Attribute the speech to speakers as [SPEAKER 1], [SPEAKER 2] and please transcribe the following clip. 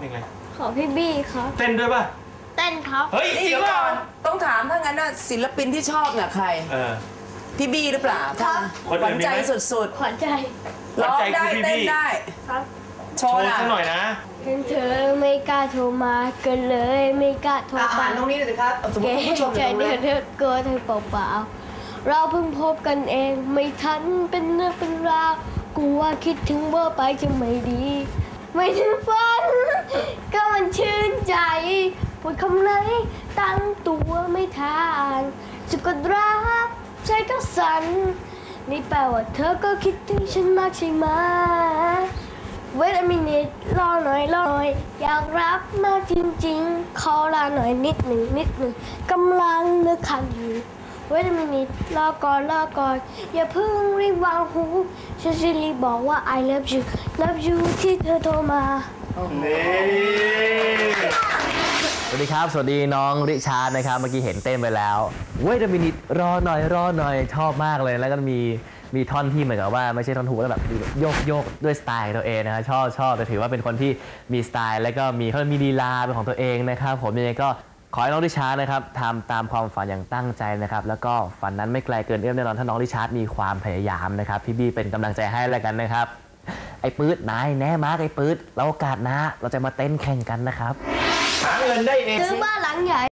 [SPEAKER 1] เพลงอะไร
[SPEAKER 2] ของพี่บี้ครับ
[SPEAKER 1] เต้นด้วยป่ะ
[SPEAKER 2] เต้นครับ
[SPEAKER 1] เฮ้ยจริงป่ะ
[SPEAKER 3] ต้องถามถ้างั้นน่ะศิลปินที่ชอบเนี่ยใครพี่บี้หรือเปล่าครับหวานใจสุด
[SPEAKER 2] ขวัญใจ
[SPEAKER 3] ๆร้องได้เต้นได้
[SPEAKER 2] ครับ
[SPEAKER 3] โชว์
[SPEAKER 1] สักหน่อยนะ
[SPEAKER 2] เห็นเธอไม่กล้าโทรมาก็เลยไม่กล้าโทรไป
[SPEAKER 3] ตรงนี้เลยสิครับสมมติผู้ชม
[SPEAKER 2] ใจเดือดกลัวเธอเปล่าๆเราเพิ่งพบกันเองไม่ทันเป็นเรื่องเป็นราวกูว่าคิดถึงว่าไปจะไม่ดีไม่ถึงฝันก็มันชื่นใจพูดคำไหนตั้งตัวไม่ทานจะกดรักใจก็สั่นนี่แปลว่าเธอก็คิดถึงฉันมากใช่ไหมWait a minute รอหน่อยอยากรักมากจริงๆขอลาหน่อยนิดหนึ่งกำลังนึกคันอยู่ Wait a minute รอก่อนอย่าเพิ่งรีบวางหูฉันจะรีบบอกว่า I love you ที่เธอโทรมา
[SPEAKER 4] สวัสดีครับสวัสดีน้องริชาร์ดนะครับเมื่อกี้เห็นเต้นไปแล้วเว้ยมินิทรอหน่อยชอบมากเลยแล้วก็มีท่อนที่เหมือนกับว่าไม่ใช่ท่อนฮุกแล้วแบบโยกด้วยสไตล์ตัวเองนะครับชอบแต่ถือว่าเป็นคนที่มีสไตล์แล้วก็มีลีลาเป็นของตัวเองนะครับผมยังไงก็ขอให้น้องริชาร์ดนะครับทำตามความฝันอย่างตั้งใจนะครับแล้วก็ฝันนั้นไม่ไกลเกินเอื้อมแน่นอนถ้าน้องริชาร์ดมีความพยายามนะครับพี่บี้เป็นกำลังใจให้แล้วกันนะครับไอ้ปื๊ดนายแน่มากไอ้ปื๊ดเราโอกาสนะเราจะมาเต้นแข่งกันนะครับ
[SPEAKER 1] หาเงินได้เอง
[SPEAKER 2] ซื้อบ้านหลังใหญ่